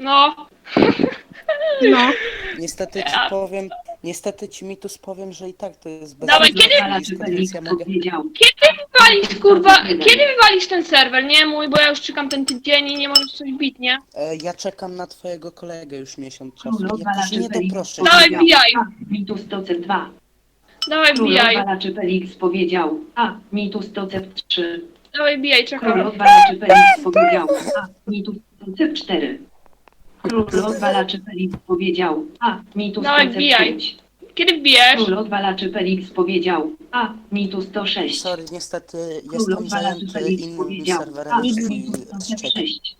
No. No. Niestety ci Mitus powiem, że i tak to jest bez Dawaj, kiedy- więc ja mogę... Wywalisz, kurwa, kiedy wywalisz ten serwer, nie mój, bo ja już czekam ten tydzień i nie możesz coś bić, nie? Ja czekam na twojego kolegę już miesiąc czasu. Królowa Jak to się nie Laczypelix doproszę. Dawaj, powiedział wbijaj. A. Mitus Tocet 2. Dawaj, wbijaj. Królowa Laczypelix powiedział A. Mitus Tocet 3. Dawaj, wbijaj, czekam. Królowa Laczypelix powiedział A. Mitus Tocet 4. Królowa Laczypelix powiedział A. Mitus Dawaj, Tocet wbijaj. 5. Kiedy wbijesz? Królowa Laczypelix powiedział A. Mitus 106. Sorry, niestety jestem Królowa zajęty Laczypelix innym powiedział serwerem A. niż Mitus twój Tocet trzeci. 6.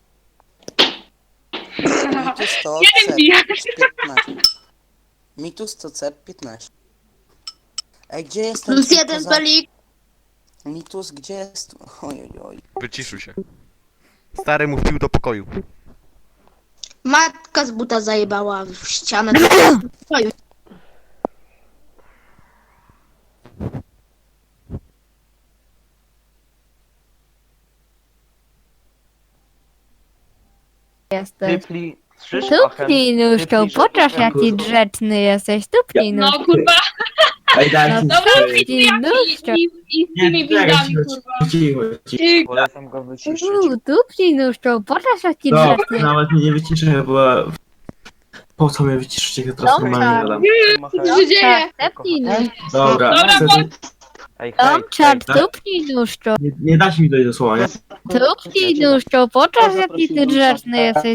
Mitus to Kiedy CEP wbijasz? 15. Mitus to CEP 15. Ej, gdzie jest ten Plus typ jeden poza- pelik. Mitus, gdzie jest... Oj. Wyciszył się. Stary mu wpił do pokoju. Matka z buta zajebała w ścianę. Jesteś. Typli, szysz, Tupnij nóżką, pokaż jaki grzeczny jesteś. Tupnij No, nóżką. kurwa, Ej, daj No mi dobra, spokój. tupnij nóżką. i z tymi windami, kurwa. Cicho. Ty, Polecam go wyciszyć. Tupnij nóżką, pokaż jaki No, grzeczny. nawet mnie nie wyciszę, bo... Po co mnie wyciszycie, jak teraz Dobra. normalnie gadam. co się dzieje? Tak, tupnij nóżką. Dobra, Dobra, chcę... Ej, hej, Tomczak, tak? tupnij nóżką. nie dacie mi dojść do słowa, nie? Tupnij nóżką, pokaż jaki ty grzeczny jesteś.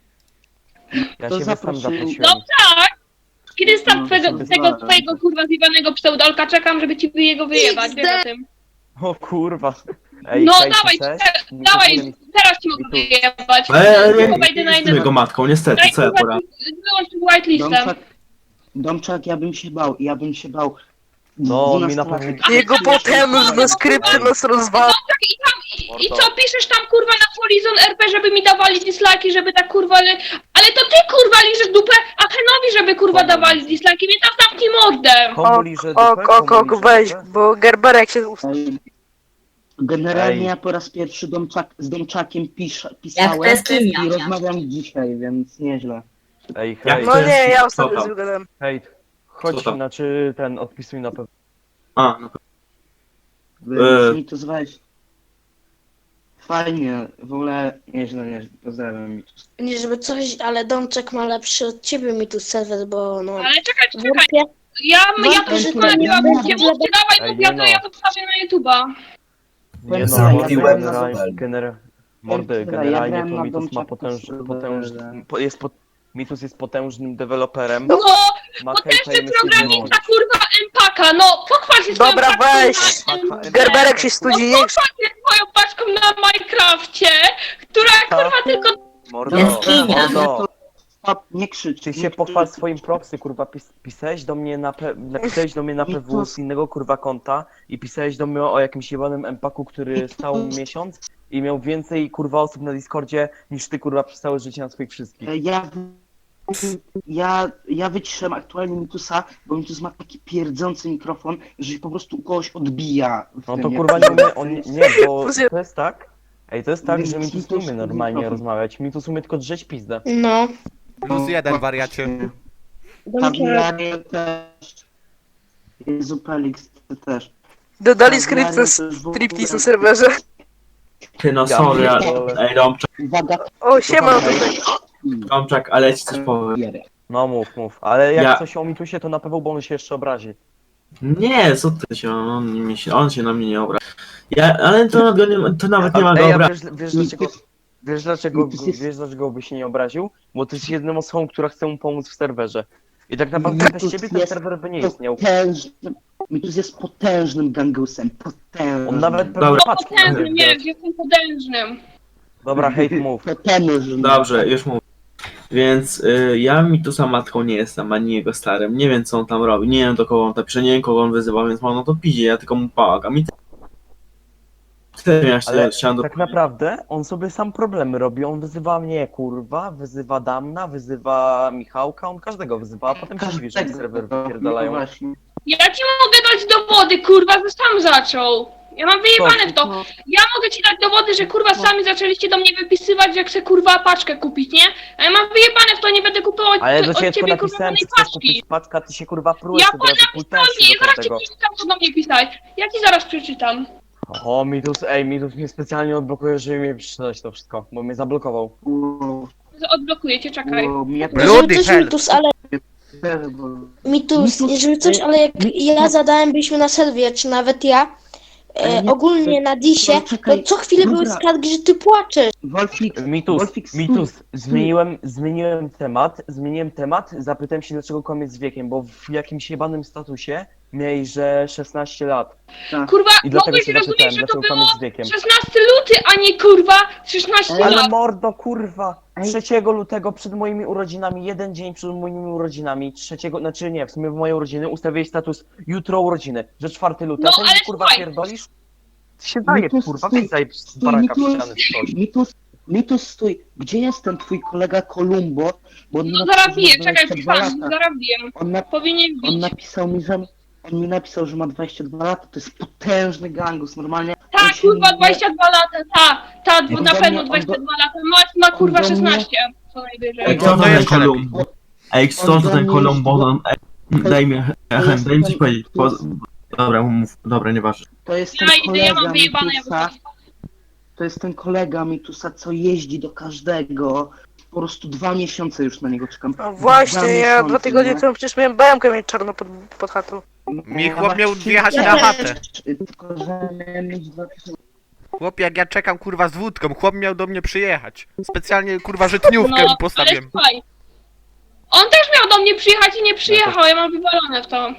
ja ciebie sam zaprosiłem. No tak! Kiedy jest tam tego twojego kurwa zjebanego pseudolka, czekam, żeby ci jego wyjebać, wiesz o tym. O kurwa. Ej, No hej, dawaj, cześć. dawaj, teraz ci mogę wyjebać. Ale Tylko nie wejdę na jestem jego jeden... matką, niestety, Daj co ja kurwa, poradzę? wyłącz tym whitelistem. Domczak, ja bym się bał. No, mi na 12 pewno... lat. Jego potężne skrypty nas rozwala. I co, piszesz tam kurwa na Polizon RP, żeby mi dawali dislike'i, żeby tak kurwa... Ale to ty kurwa liżesz dupę, a Henowi, żeby kurwa dawali dislike'i, więc tam zamknij mordę. Komu liże dupę? Komu liże Weź, dupę? bo Gerberek się... Ej, Generalnie Ej. ja po raz pierwszy z Domczakiem pisałem i rozmawiam dzisiaj, więc nieźle. Ej, Jak hej, to No jest? nie, ja Co ostatnio tam? zgadałem. hej. Chodź, Co tam? znaczy ten, odpisuj na pewno. A, no Mi to weź. Fajnie, w ogóle nieźle, pozdrawiam. Nie żeby coś, ale Domczek ma lepszy od ciebie mi tu serwer, bo no... Ale czekaj, Wątpię. ja to Wątpię, wszystko że to nagrywam, nie mówcie, będzie dawaj, Ej, mów, ja nie to, no. ja to wstawię na YouTube'a. Nie no, Zamówiłem mordy, Ja generalnie grałem to na Mitus ma Domczaku Mitus jest potężnym deweloperem. No, Ma potężny KPM programista, kurwa, Empaka, no, pochwal się swoją Dobra, paczką weź. na- Gerberek się studzi, nie... Pochwal się swoją paczką na Minecrafcie, która kurwa tylko... Mordo, Stop, nie krzycz. Ty nie się krzycz. pochwal swoim proxy, kurwa, pisałeś do mnie napisałeś do mnie na PW z innego kurwa konta i pisałeś do mnie o jakimś jebanym empaku, który stał miesiąc i miał więcej kurwa osób na Discordzie niż ty kurwa przez całe życie na swoich wszystkich. Ja wyciszyłem aktualnie Mitusa, bo Mitus ma taki pierdzący mikrofon, że się po prostu u kogoś odbija. w No tym, to jak- kurwa nie umie, bo to jest tak, to jest tak, że Więc Mitus nie umie Mitus- normalnie mikrofon. rozmawiać, Mitus umie tylko drzeć pizdę. No. Plus jeden, wariacie. Domczek. Tabliaria też. Jezu, Pelix też. Dodali skrypt na striptease na serwerze. ty no sorry, ale... pierdolę. Ej, Domczak, Uwaga, O, siema tutaj. Domczak, ale ja ci coś powiem. No mów, ale jak Ja- coś o Mitusie to na pewno, bo on się jeszcze obrazi. Nie, co ty się, on się na mnie nie obrazi. Ale to nawet nie ma go Ej, a obrazić. wiesz dlaczego by się nie obraził? Bo ty jesteś jedną osobą, która chce mu pomóc w serwerze. I tak naprawdę bez ciebie ten serwer by nie istniał. Mitus jest potężnym gangusem, potężnym. On nawet pewnie Dobra. paczki nie Potężnym, będzie. nie, jestem potężnym. Dobra, hejt mów. Potężnym. Dobrze, już mówię. Więc ja Mitusa matką nie jestem, ani jego starym. Nie wiem co on tam robi, nie wiem do kogo on tam pisze, nie wiem kogo on wyzywa, więc mam no to pidzie, ja tylko mu pomagam. I tyle ja Ale chciałem do... tak naprawdę on sobie sam problemy robi. On wyzywa mnie, kurwa, wyzywa Damna, wyzywa Michałka, on każdego wyzywa, a potem się dziwi, że serwer wypierdalają. Właśnie. Ja ci mogę dać dowody, kurwa, że sam zaczął. Ja mam wyjebane w to. Ja mogę ci dać dowody, że kurwa sami zaczęliście do mnie wypisywać, że chcę kurwa paczkę kupić, nie? A ja mam wyjebane w to, nie będę kupować Ale do od ciebie ciebie tylko kurwa napisałem, żadnej że chcesz paczki. kupić paczka, ty się kurwa prujesz Ja od razu, napisałem, kultensy nie, zaraz do ci tego. przeczytam, co do mnie pisałeś. Ja ci zaraz przeczytam. O, Mitus mnie specjalnie odblokuje, żeby mi przeczytać to wszystko, bo mnie zablokował. Odblokuję cię, czekaj. Żeby coś Mitus, ale Mitus, jeżeli coś, ale jak ja zadałem, byliśmy na serwie, czy nawet ja, ogólnie na disie, to co chwilę były skargi, że ty płaczesz. Mitus, zmieniłem temat, zapytałem się dlaczego kłamiesz z wiekiem, bo w jakimś jebanym statusie miałeś, że 16 lat. Kurwa, I dlatego mogłeś się rozumieć, zapytałem, że to dlaczego było kłamiesz z wiekiem. 16 luty, a nie kurwa 16 Ale lat. mordo, kurwa! 3 lutego przed moimi urodzinami, jeden dzień przed moimi urodzinami, znaczy nie, w sumie w moje urodziny, ustawiłeś status jutro urodziny, że 4 lutego, No, a ty ale mi, kurwa słuchaj. pierdolisz? Ty się daje, kurwa, wyjdź z baraka w ściany w coś. Mitus, stój, gdzie jest ten twój kolega Kolumbo? Bo on mi No napisał, zaraz biję, że ma czekaj, 22 pisałem, lata. zaraz biję. Powinien On bić. napisał mi, że ma 22 lata, to jest potężny gangus, normalnie. on Tak, się kurwa, nie- 22 lata, ta, On na do pewno mnie- 22 lata, ma kurwa on do mnie- 16, co najwyżej. Ej, No kto to to ten jeszcze lepiej. Kolumbo? Ej, kto On to do ten mnie Kolumbo? Daj mi, daj mi coś powiedzieć. to jest- Dobra, mów, dobra, nieważne. To jest ten Ja idę, ja kolega mam wyjebane Mitusa, jako to jest ten kolega Mitusa, co jeździ do każdego. Po prostu 2 miesiące już na niego czekam. No właśnie, 2 ja 2 miesiące, tygodnie nie? temu przecież miałem BM-kę mieć czarno pod chatą. Mi chłop miał Właśnie wjechać ja na też, chatę. Tylko, że miałem mieć 2 Chłop, jak ja czekam kurwa z wódką, chłop miał do mnie przyjechać. Specjalnie kurwa żytniówkę mi ale postawiłem. słuchaj. On też miał do mnie przyjechać i nie przyjechał, ja mam wywalone w to.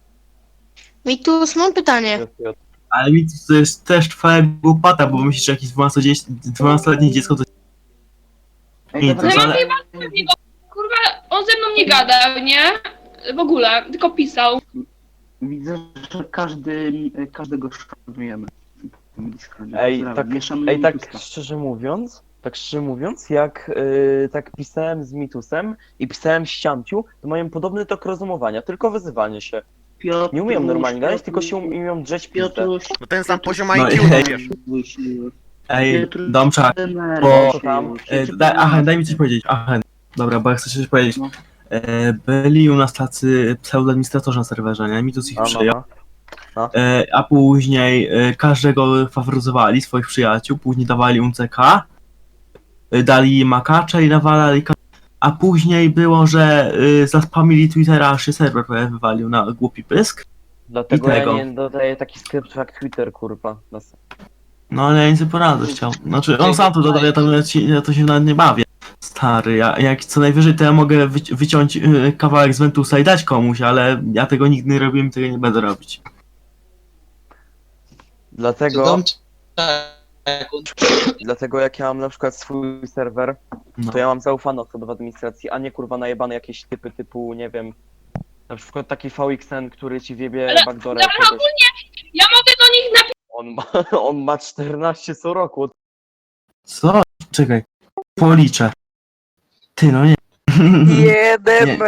Mitus, mam pytanie. Ale mi to jest też twoja głupota, bo myślisz, że jakieś 12-letnie dziecko to... Nie, to No ja jest, mam ale... wyjebane w niego, kurwa, on ze mną nie gadał, nie? W ogóle, tylko pisał. Widzę, że każdego szanujemy. Ej, tak Mitusa. szczerze mówiąc, jak tak pisałem z Mitusem i pisałem z Ciamciu, to mają podobny tok rozumowania, tylko wyzywanie się. Nie umiem normalnie gadać, tylko się umiem drzeć pizdę. Piotruś, No ten sam poziom No IQ, i- no wiesz. Ej, Domczak, Bo tam, daj mi coś powiedzieć, dobra, bo ja chcę coś powiedzieć. No. Byli u nas tacy pseudoadministratorzy na serwerze, nie? Mitus ich przyjął. no. A później każdego faworyzowali, swoich przyjaciół, później dawali UCK, dali makacza i nawalali a później było, że zaspamili Twittera, aż się serwer prawie wywalił na głupi pysk. Dlatego I ja tego. nie dodaję taki skrypt jak Twitter, kurwa. No ale ja nic nie poradzę chciał. Znaczy on sam to dodał, ja to się nawet nie bawię. Stary, jak co najwyżej to ja mogę wyciąć kawałek z Ventusa i dać komuś, ale ja tego nigdy nie robiłem i tego nie będę robić. Dlatego jak ja mam na przykład swój serwer, No. to ja mam zaufane osoby w administracji, a nie kurwa najebane jakieś typy typu, nie wiem, na przykład taki VXN, który ci wiebie Ale- backdoora Ale jakiegoś. ogólnie, ja mogę do nich napisać. On ma 14 co roku. Co? Czekaj. Policzę. Ty no nie. Jeden Nie.